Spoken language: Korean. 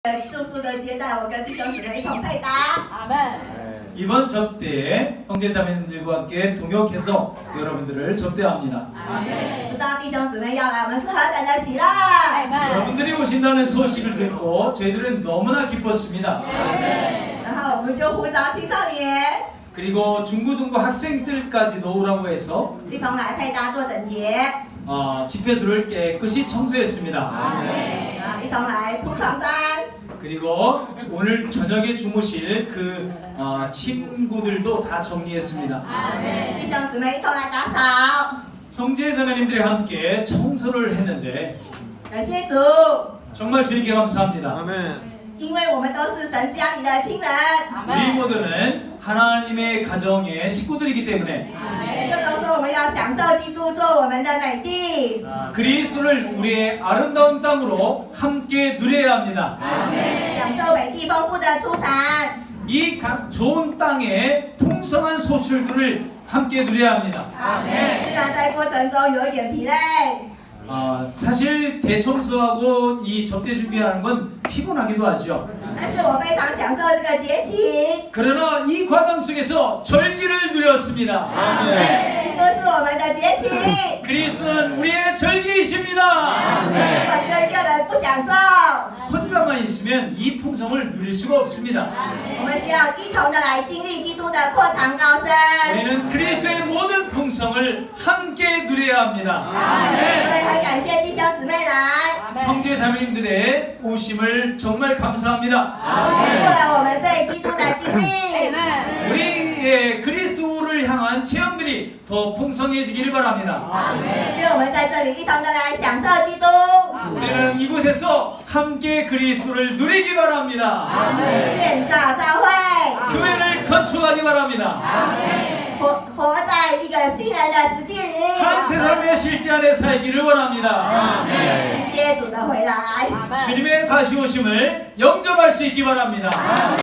速速的接待我跟弟兄姊妹一同配搭。 아멘. 이번 접대에 형제자매님들과 함께 동역해서 여러분들을 접대합니다. 知道弟兄姊妹要来，我们是何等的喜乐。 아멘. 여러분들이 오신다는 소식을 듣고 저희들은 너무나 기뻤습니다. 然后我们就呼召青少年 그리고 중고등부 학생들까지도 오라고 해서 一同来配搭做整洁， 집회소를 깨끗이 청소했습니다. 一同来铺床单， 그리고 오늘 저녁에 주무실 그 친구들도 다 정리했습니다. 弟兄姊妹一同来打扫。 형제자매님들이 함께 청소를 했는데 感谢主， 정말 주님께 감사합니다. 因为我们都是神家里的亲人， 우리 아멘. 모두는 하나님의 가정의 식구들이기 때문에 这都说我们要享受基督做我们的美地， 그리스도를 우리의 아름다운 땅으로 함께 누려야 합니다. 享受美地丰富的出产。 이 좋은 땅의 풍성한 소출들을 함께 누려야 합니다. 虽然在过程中有一点疲累， 사실 대청소하고 이 접대 준비하는 건 피곤하기도 하죠. 但是我非常享受这个节期。 그러나 이 과정 속에서 절기를 누렸습니다. 基督是我们的节期， 그리스도는 우리의 절기이십니다. 我只有一个人不享受， 혼자만 있으면 이 풍성을 누릴 수가 없습니다. 我们需要一同的来经历基督的扩长高升。 우리는 그리스도의 모든 풍성을 함께 누려야 합니다. 所以很感谢弟兄姊妹来， 아멘. 형제 자매님들의 오심을 정말 감사합니다. 丰富了我们对基督的经历。 아멘. 우리의 그리스도를 향한 체험들이 더 풍성해지기를 바랍니다. 愿我们在这里一同的来享受基督， 우리는 이곳에서 함께 그리스도를 누리기 바랍니다. 建造教会， 교회를 건축하기 바랍니다. 活在一个新人的实际里， 한 세 삶의 실제 안에 살기를 원합니다. 迎接主的回来。 아멘. 주님의 다시 오심을 영접할 수 있기 바랍니다.